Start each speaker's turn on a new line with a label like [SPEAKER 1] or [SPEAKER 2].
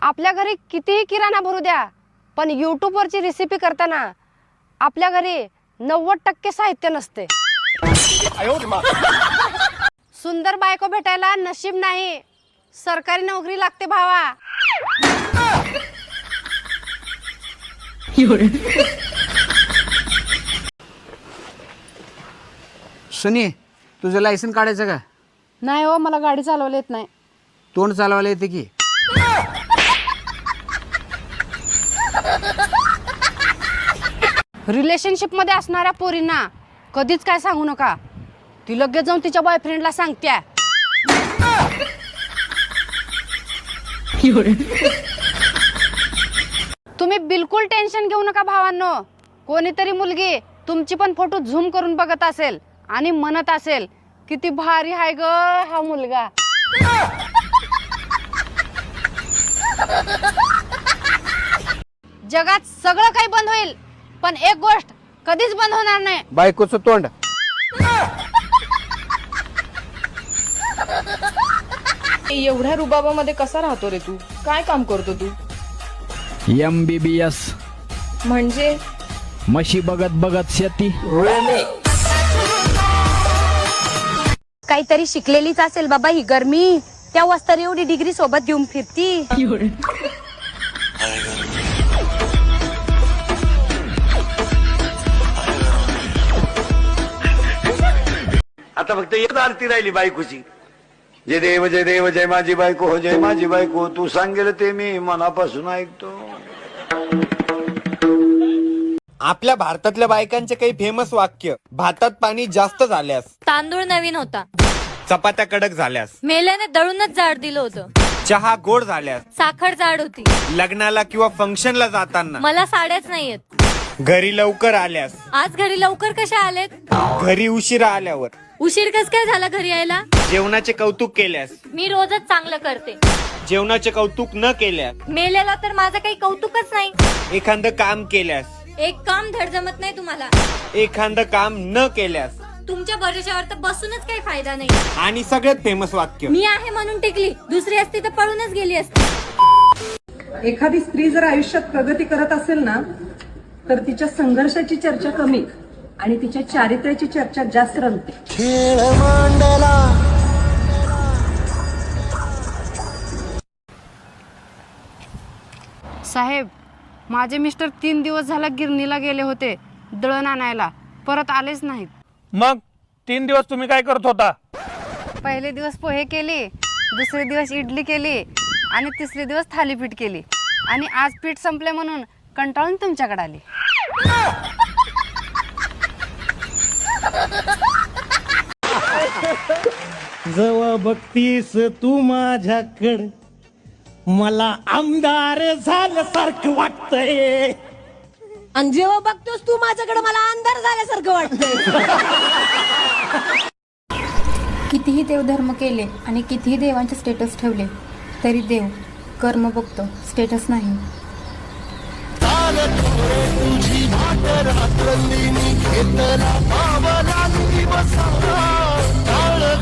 [SPEAKER 1] आपल्या घरी कितीही किराणा भरू द्या, पण यूट्यूबवरची रेसिपी करताना आपल्या घरी 90% साहित्य नसते. सुंदर बायको भेटायला नशीब नाही, सरकारी नोकरी लागते भावा.
[SPEAKER 2] सुनी, तुझं लायसन काढायचं का?
[SPEAKER 1] नाही हो, मला गाडी चालवता येत नाही.
[SPEAKER 2] तोंड चालवायला येते की?
[SPEAKER 1] रिलेशनशिप मध्ये असणाऱ्या पोरींना कधीच काय सांगू नका, ती लगेच जाऊन तिच्या बॉयफ्रेंडला सांगत्या. तुम्ही बिलकुल टेन्शन घेऊ नका भावांनो. कोणीतरी मुलगी तुमची पण फोटो झूम करून बघत असेल आणि म्हणत असेल किती भारी आहे ग हा मुलगा. जगात सगळं काही बंद होईल, पण एक गोष्ट कधीच बंद होणार नाही,
[SPEAKER 2] बायकोचं तोंड.
[SPEAKER 3] एवढ्या रुबाबामध्ये कसा राहतो रे तू? काय काम करतो तू?
[SPEAKER 4] MBBS
[SPEAKER 3] म्हणजे
[SPEAKER 4] म्हशी बघत बघत शेती.
[SPEAKER 1] काहीतरी शिकलेलीच असेल बाबा ही गरमी, तेव्हाच तर एवढी डिग्री सोबत घेऊन फिरती.
[SPEAKER 5] आता फक्त एक आरती राहिली बायकोची. जय देव जय देव जय माझी बायको हो, जय माझी बायको, तू सांगेल ते मी मनापासून ऐकतो.
[SPEAKER 6] आपल्या भारतातल्या बायकांचे काही फेमस वाक्य: भातात पाणी जास्त झाल्यास,
[SPEAKER 7] तांदूळ नवीन होता,
[SPEAKER 6] चपात्या कडक झाल्यास,
[SPEAKER 7] मेल्याने दळूनच जाड दिलं होतं,
[SPEAKER 6] चहा गोड झाल्यास,
[SPEAKER 7] साखर जाड होती,
[SPEAKER 6] लग्नाला किंवा फंक्शनला जाताना,
[SPEAKER 7] मला साड्याच नाहीयेत,
[SPEAKER 6] घरी लवकर आल्यास,
[SPEAKER 7] आज घरी लवकर कशा आलेत,
[SPEAKER 6] घरी उशिरा आल्यावर,
[SPEAKER 7] उशीर कस काय झाला घरी यायला,
[SPEAKER 6] जेवणाचे कौतुक केल्यास,
[SPEAKER 7] मी रोजच चांगलं करते,
[SPEAKER 6] जेवणाचे कौतुक न केल्यास,
[SPEAKER 7] मेलेला तर माझं काही कौतुकच नाही,
[SPEAKER 6] एखादं काम केल्यास,
[SPEAKER 7] एक काम धड जमत नाही तुम्हाला,
[SPEAKER 6] एखादं काम न केल्यास,
[SPEAKER 7] तुमच्या भरोश्यावर तर बसूनच काही फायदा नाही,
[SPEAKER 6] आणि सगळ्यात फेमस वाक्य:
[SPEAKER 7] मी आहे म्हणून टिकली, दुसरी असती तर पळूनच गेली असती.
[SPEAKER 8] एखादी स्त्री जर आयुष्यात प्रगती करत असेल ना, तर तिच्या संघर्षाची चर्चा कमी आणि तिच्या चारित्र्याची चर्चा जास्त रंगते.
[SPEAKER 1] साहेब, माझे मिस्टर 3 दिवस झाला गिरणीला गेले होते दळण आणायला, परत आलेच नाहीत.
[SPEAKER 9] मग 3 दिवस तुम्ही काय करत होता?
[SPEAKER 1] पहिले दिवस पोहे केले, दुसरे दिवस इडली केली आणि तिसरे दिवस थालीपीठ केली, आणि आज पीठ संपले म्हणून कंटाळून तुमच्याकडे आली.
[SPEAKER 9] जेव्हा बघतीस तू माझ्याकडे, मला आमदार झाल्यासारखं वाटतंय.
[SPEAKER 8] आणि जेव्हा बघतोस तू माझ्याकडे, मला अंधार झाल्यासारखं वाटतंय.
[SPEAKER 10] कितीही देवधर्म केले आणि कितीही देवांचे स्टेटस ठेवले तरी देव कर्म बघतो, स्टेटस नाही.
[SPEAKER 11] तुझी भाट रात्रंदिनी घेतला पावला बसा